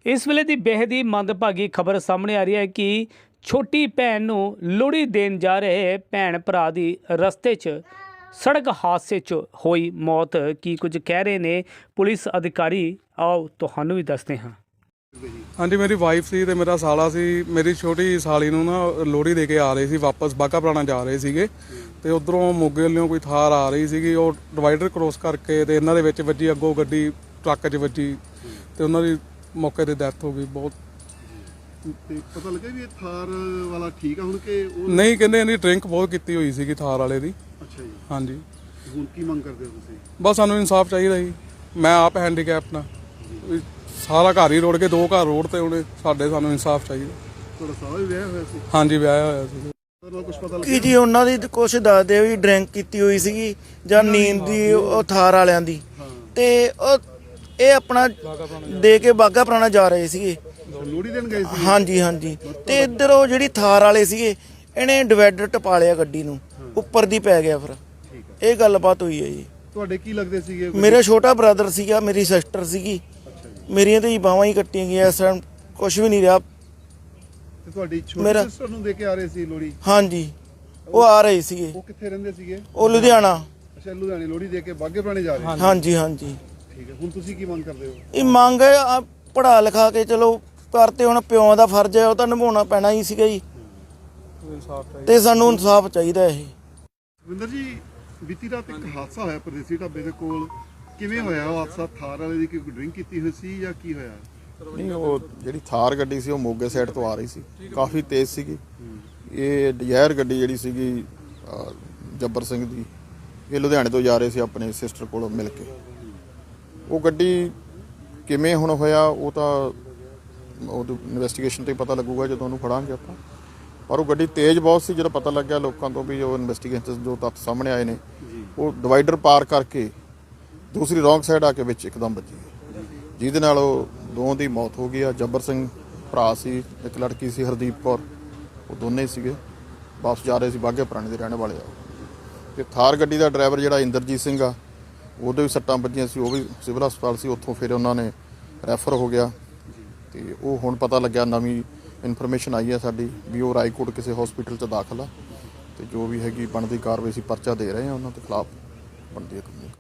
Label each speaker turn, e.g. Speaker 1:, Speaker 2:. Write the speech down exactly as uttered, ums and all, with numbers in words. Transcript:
Speaker 1: इस वेले की बेहद ही मंदभागी खबर सामने आ रही है कि छोटी भैन नूं लोहड़ी देन जा रहे भैन भरा दी रस्ते च सड़क हादसे च होई मौत की कुछ कह रहे ने पुलिस अधिकारी। आओ तुहानूं भी दसदे हां।
Speaker 2: हाँ जी, मेरी वाइफ सी ते मेरा साला सी। मेरी छोटी साली नूं ना लोहड़ी दे के आ रही सी, वापस बाघा पुराना जा रहे सीगे ते उधरों मोगे वालों कोई थार आ रही सीगी। ਉਹ ਡਿਵਾਈਡਰ ਕ੍ਰੋਸ ਕਰਕੇ ਤੇ ਇਹਨਾਂ ਦੇ ਵਿੱਚ ਵੱਜੀ, ਅੱਗੋਂ ਗੱਡੀ ਟਰੱਕ 'ਚ ਵੱਜੀ ਤੇ ਉਹਨਾਂ ਦੀ ਮੌਕੇ ਤੇ ਡੈਥ ਹੋ ਗਈ। ਬਹੁਤ
Speaker 3: ਤੇ ਪਤਾ ਲੱਗਾ ਵੀ ਇਹ ਥਾਰ ਵਾਲਾ ਠੀਕ ਆ ਹੁਣ ਕਿ ਉਹ
Speaker 2: ਨਹੀਂ, ਕਹਿੰਦੇ ਇਹਦੀ ਡਰਿੰਕ ਬਹੁਤ ਕੀਤੀ ਹੋਈ ਸੀਗੀ ਥਾਰ ਵਾਲੇ ਦੀ।
Speaker 3: ਅੱਛਾ ਜੀ,
Speaker 2: ਹਾਂਜੀ,
Speaker 3: ਹੁਣ ਕੀ ਮੰਗ ਕਰਦੇ ਹੋ ਤੁਸੀਂ?
Speaker 2: ਬਸ ਸਾਨੂੰ ਇਨਸਾਫ ਚਾਹੀਦਾ ਜੀ। ਮੈਂ ਆਪ ਹੈਂਡੀਕੈਪ ਨਾ, ਸਾਰਾ ਘਰ ਹੀ ਰੋੜ ਕੇ ਦੋ ਘਰ ਰੋਡ ਤੇ ਉਹਨੇ ਸਾਡੇ। ਸਾਨੂੰ ਇਨਸਾਫ ਚਾਹੀਦਾ।
Speaker 3: ਤੁਹਾਡਾ ਸਾਲਾ ਵੀ ਵਿਆਹ ਹੋਇਆ ਸੀ?
Speaker 2: ਹਾਂਜੀ, ਵਿਆਹਿਆ ਹੋਇਆ ਸੀ।
Speaker 3: ਕੁਝ ਪਤਾ
Speaker 4: ਕੀ
Speaker 3: ਲੱਗਿਆ
Speaker 4: ਜੀ ਉਹਨਾਂ ਦੀ ਕੁਛ ਦੱਸਦੇ ਵੀ ਡਰਿੰਕ ਕੀਤੀ ਹੋਈ ਸੀਗੀ ਜਾਂ ਨੀਂਦ ਦੀ ਉਹ ਥਾਰ ਵਾਲਿਆਂ ਦੀ। ਤੇ ਉਹ ਇਹ ਆਪਣਾ ਦੇ ਕੇ ਬਾਘਾ ਪੁਰਾਣਾ ਜਾ ਰਹੇ ਸੀਗੇ।
Speaker 3: ਲੋਹੜੀ ਦੇਣ ਗਏ ਸੀ?
Speaker 4: ਹਾਂਜੀ ਹਾਂਜੀ। ਤੇ ਇੱਧਰ ਉਹ ਜਿਹੜੀ ਥਾਰ ਵਾਲੇ ਸੀਗੇ ਇਹਨੇ ਡਿਵਾਈਡਰ ਟਪਾ ਲਿਆ ਗੱਡੀ ਨੂੰ, ਉੱਪਰ ਦੀ ਪੈ ਗਿਆ। ਫਿਰ ਇਹ ਗੱਲਬਾਤ ਹੋਈ ਹੈ ਜੀ।
Speaker 3: ਤੁਹਾਡੇ ਕੀ ਲੱਗਦੇ ਸੀਗੇ?
Speaker 4: ਮੇਰਾ ਛੋਟਾ ਬ੍ਰਦਰ ਸੀਗਾ, ਮੇਰੀ ਸਿਸਟਰ ਸੀਗੀ। ਮੇਰੀਆਂ ਤੇ ਬਾਹਾਂ ਹੀ ਕੱਟੀਆਂ ਗਈਆਂ। ਇਸ ਟਾਈਮ ਕੁਝ ਵੀ ਨਹੀਂ ਰਿਹਾ।
Speaker 3: ਤੇ ਤੁਹਾਡੀ ਛੋਟੀ
Speaker 4: ਮੇਰਾ-
Speaker 3: ਸਿਸਟਰ ਨੂੰ ਦੇ ਕੇ ਆ ਰਹੇ ਸੀ ਲੋਹੜੀ?
Speaker 4: ਹਾਂਜੀ, ਉਹ ਆ ਰਹੇ ਸੀਗੇ।
Speaker 3: ਉਹ ਕਿੱਥੇ ਰਹਿੰਦੇ ਸੀਗੇ?
Speaker 4: ਉਹ ਲੁਧਿਆਣਾ।
Speaker 3: ਅੱਛਾ, ਲੁਧਿਆਣੇ ਲੋਹੜੀ ਦੇ ਕੇ ਬਾਘੇ ਪੁਰਾਣੇ ਜਾ ਰਹੇ?
Speaker 4: ਹਾਂਜੀ ਹਾਂਜੀ।
Speaker 3: ਠੀਕ ਹੈ, ਹੁਣ ਤੁਸੀਂ ਕੀ ਮੰਗ ਕਰਦੇ ਹੋ?
Speaker 4: ਇਹ ਮੰਗ ਹੈ ਆ ਪੜ੍ਹਾ ਲਿਖਾ ਕੇ ਚਲੋ ਕਰਤੇ, ਹੁਣ ਪਿਓ ਦਾ ਫਰਜ਼ ਹੈ ਉਹ ਤਾਂ ਨਿਭਾਉਣਾ ਪੈਣਾ ਹੀ ਸੀਗਾ ਜੀ। ਤੇ ਸਾਨੂੰ ਇਨਸਾਫ ਚਾਹੀਦਾ ਇਹ।
Speaker 3: ਵਿੰਦਰ ਜੀ, ਬੀਤੀ ਰਾਤ ਇੱਕ ਹਾਦਸਾ ਹੋਇਆ ਪਰਦੇਸੀ ਢਾਬੇ ਦੇ ਕੋਲ। ਕਿਵੇਂ ਹੋਇਆ ਉਹ ਹਾਦਸਾ? ਥਾਰ ਵਾਲੇ ਦੀ ਕੋਈ ਡਰਿੰਕ ਕੀਤੀ ਹੋਈ ਸੀ ਜਾਂ ਕੀ ਹੋਇਆ?
Speaker 5: ਨਹੀਂ, ਉਹ ਜਿਹੜੀ ਥਾਰ ਗੱਡੀ ਸੀ ਉਹ ਮੋਗੇ ਸਾਈਡ ਤੋਂ ਆ ਰਹੀ ਸੀ, ਕਾਫੀ ਤੇਜ਼ ਸੀਗੀ। ਇਹ ਡਿਜ਼ਾਇਰ ਗੱਡੀ ਜਿਹੜੀ ਸੀਗੀ ਅਹ, ਜੱਬਰ ਸਿੰਘ ਦੀ, ਇਹ ਲੁਧਿਆਣੇ ਤੋਂ ਜਾ ਰਹੇ ਸੀ ਆਪਣੇ ਸਿਸਟਰ ਕੋਲੋਂ ਮਿਲ ਕੇ। ਉਹ ਗੱਡੀ ਕਿਵੇਂ ਹੁਣ ਹੋਇਆ ਉਹ ਤਾਂ ਉਹ ਇਨਵੈਸਟੀਗੇਸ਼ਨ 'ਤੇ ਪਤਾ ਲੱਗੂਗਾ ਜਦੋਂ ਉਹਨੂੰ ਫੜਾਂਗੇ ਆਪਾਂ। ਪਰ ਉਹ ਗੱਡੀ ਤੇਜ਼ ਬਹੁਤ ਸੀ। ਜਦੋਂ ਪਤਾ ਲੱਗਿਆ ਲੋਕਾਂ ਤੋਂ ਵੀ ਜੋ ਇਨਵੈਸਟੀਗੇਸ਼ਨ ਜੋ ਤੱਥ ਸਾਹਮਣੇ ਆਏ ਨੇ, ਉਹ ਡਿਵਾਈਡਰ ਪਾਰ ਕਰਕੇ ਦੂਸਰੀ ਰੌਂਗ ਸਾਈਡ ਆ ਕੇ ਵਿੱਚ ਇੱਕਦਮ ਵੱਜੀ, ਜਿਹਦੇ ਨਾਲ ਉਹ ਦੋਵਾਂ ਦੀ ਮੌਤ ਹੋ ਗਈ ਆ। ਜੱਬਰ ਸਿੰਘ ਭਰਾ ਸੀ, ਇੱਕ ਲੜਕੀ ਸੀ ਹਰਦੀਪ ਕੌਰ, ਉਹ ਦੋਨੇ ਸੀਗੇ ਵਾਪਸ ਜਾ ਰਹੇ ਸੀ, ਬਾਘੇ ਪੁਰਾਣੇ ਦੇ ਰਹਿਣ ਵਾਲੇ ਆ। ਤੇ ਥਾਰ ਗੱਡੀ ਦਾ ਡਰਾਈਵਰ ਜਿਹੜਾ ਇੰਦਰਜੀਤ ਸਿੰਘ ਆ, ਉਹਦੇ ਵੀ ਸੱਟਾਂ ਵੱਜੀਆਂ ਸੀ, ਉਹ ਵੀ ਸਿਵਲ ਹਸਪਤਾਲ ਸੀ। ਉੱਥੋਂ ਫਿਰ ਉਹਨਾਂ ਨੇ ਰੈਫਰ ਹੋ ਗਿਆ। ਤੇ ਉਹ ਹੁਣ ਪਤਾ ਲੱਗਿਆ, ਨਵੀਂ ਇਨਫੋਰਮੇਸ਼ਨ ਆਈ ਹੈ ਸਾਡੀ ਵੀ ਉਹ ਰਾਏਕੋਟ ਕਿਸੇ ਹਸਪੀਟਲ 'ਚ ਦਾਖਲ ਆ। ਤੇ ਜੋ ਵੀ ਹੈਗੀ ਬਣਦੀ ਕਾਰਵਾਈ ਸੀ, ਪਰਚਾ ਦੇ ਰਹੇ ਆ ਉਹਨਾਂ ਦੇ ਖਿਲਾਫ, ਬਣਦੀ ਹੈ।